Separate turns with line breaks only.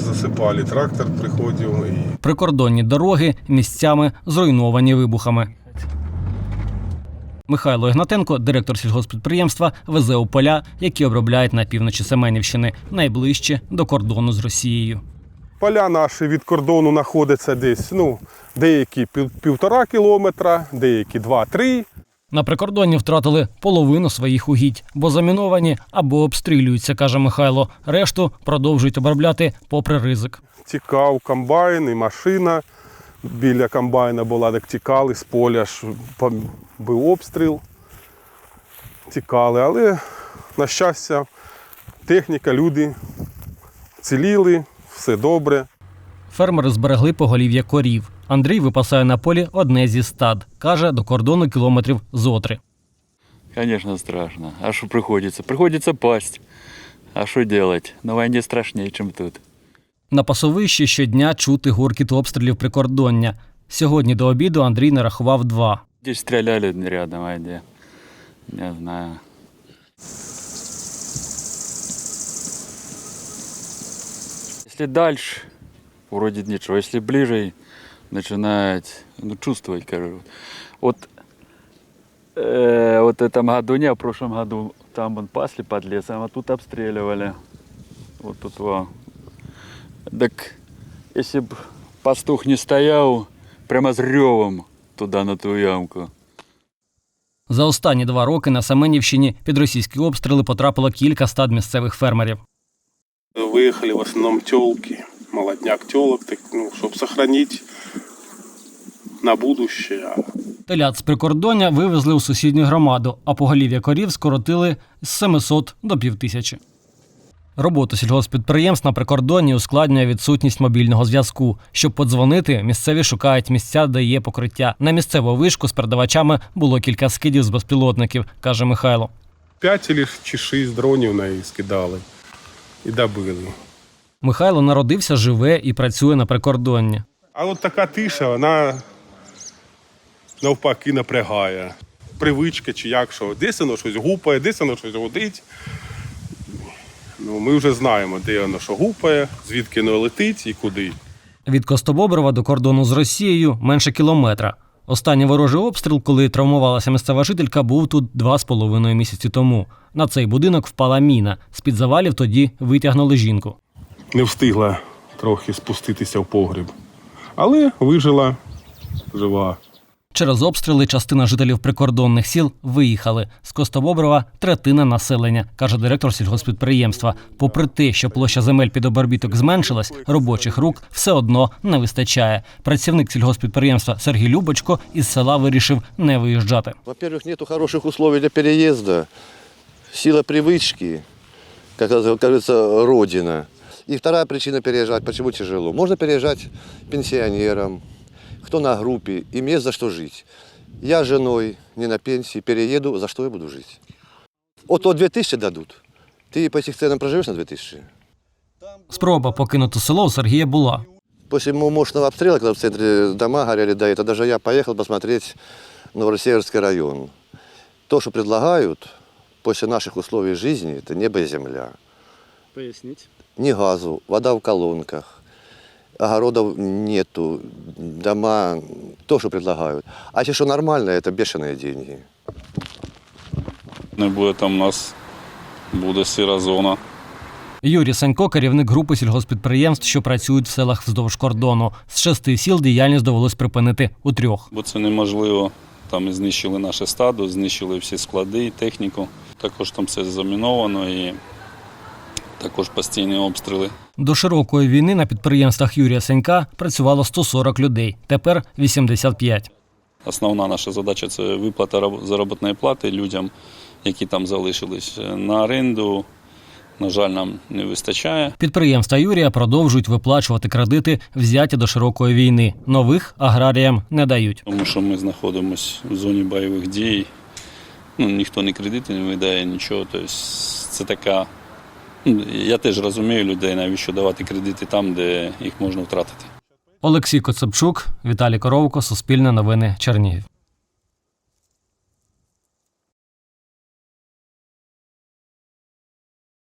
засипали, трактор приходив.
Прикордонні дороги місцями зруйновані вибухами. Михайло Ігнатенко, директор сільгосппідприємства, везе у поля, які обробляють на півночі Семенівщини, найближче до кордону з Росією.
Поля наші від кордону знаходяться десь, деякі 1,5 кілометра, деякі 2-3.
На прикордонні втратили половину своїх угідь, бо заміновані або обстрілюються, каже Михайло. Решту продовжують обробляти попри ризик.
Тікав комбайн і машина. Біля комбайна була, так тікали з поля, був обстріл. Тікали, але, на щастя, техніка, люди ціліли, все добре.
Фермери зберегли поголів'я корів. Андрій випасає на полі одне зі стад. Каже, до кордону кілометрів зо 3.
Звісно, страшно. А що приходиться? Приходиться пасть. А що робити? На війні страшніше, ніж тут.
На пасовищі щодня чути гуркіт обстрілів прикордоння. Сьогодні до обіду Андрій нарахував 2.
Десь стріляли рядом, а де? Не знаю. Если дальше, вроде ничего. Если ближе, начинает чувствовать, короче. Вот в этом году, не, в прошлом году, там вон пасли под лесом, а тут обстреливали. Вот тут во. Так, если б пастух не стоял, прямо с ревом туда, на ту ямку.
За останні 2 роки на Семенівщині під російські обстріли потрапило кілька стад місцевих фермерів.
Виїхали в основному тілки, молодняк тілок, щоб зберігати на будущее.
Телят з прикордоння вивезли у сусідню громаду, а поголів'я корів скоротили з 700 до 5000. Роботу сільгосппідприємств на прикордонні ускладнює відсутність мобільного зв'язку. Щоб подзвонити, місцеві шукають місця, де є покриття. На місцеву вишку з передавачами було кілька скидів з безпілотників, каже Михайло.
5 чи 6 дронів на її скидали і добили.
Михайло народився, живе і працює на прикордонні.
А от така тиша, вона навпаки напрягає. Привичка чи як, що десь воно щось гупає, десь воно щось гудить. Ми вже знаємо, де воно що гупає, звідки воно летить і куди.
Від Костобоброва до кордону з Росією менше кілометра. Останній ворожий обстріл, коли травмувалася місцева жителька, був тут 2,5 місяці тому. На цей будинок впала міна. З-під завалів тоді витягнули жінку.
Не встигла трохи спуститися в погріб, але вижила, жива.
Через обстріли частина жителів прикордонних сіл виїхали. З Костобоброва третина населення, каже директор сільгосппідприємства. Попри те, що площа земель під обробіток зменшилась, робочих рук все одно не вистачає. Працівник сільгосппідприємства Сергій Любочко із села вирішив не виїжджати.
Во-первых, нету хороших условий для переезда. Сила привычки, как говорится, родина. И вторая причина переезжать, почему тяжело. Можно переезжать пенсионерам, кто на группе, им есть за что жить. Я с женой, не на пенсии, перееду, за что я буду жить? Вот 2000 дадут. Ты по этих ценам проживешь на 2000?
Спроба покинути село у Сергія була.
После мощного обстрела, когда в центре дома горели, да, это даже я поехал посмотреть Новосеверский район. То, что предлагают после наших условий жизни, это небо и земля.
Поясніть.
Ни газу, вода в колонках, огородов нету, дома, то, что предлагают. А если что нормально, это бешеные деньги.
Не буде там у нас, буде сіра зона.
Юрій Санько – керівник групи сільгосппідприємств, що працюють в селах вздовж кордону. З 6 сіл діяльність довелось припинити у 3.
Бо це неможливо. Там знищили наше стадо, знищили всі склади, техніку. Також там все заміновано і також постійні обстріли.
До широкої війни на підприємствах Юрія Санька працювало 140 людей, тепер 85.
Основна наша задача – це виплата заробітної плати людям, які там залишились. На оренду, на жаль, нам не вистачає.
Підприємства Юрія продовжують виплачувати кредити, взяті до широкої війни. Нових аграріям не дають.
Тому що ми знаходимося в зоні бойових дій. Ніхто не кредити не видає, нічого. Тобто це така... Я теж розумію людей, навіщо давати кредити там, де їх можна втратити.
Олексій Коцепчук, Віталій Коровко, Суспільне новини, Чернігів.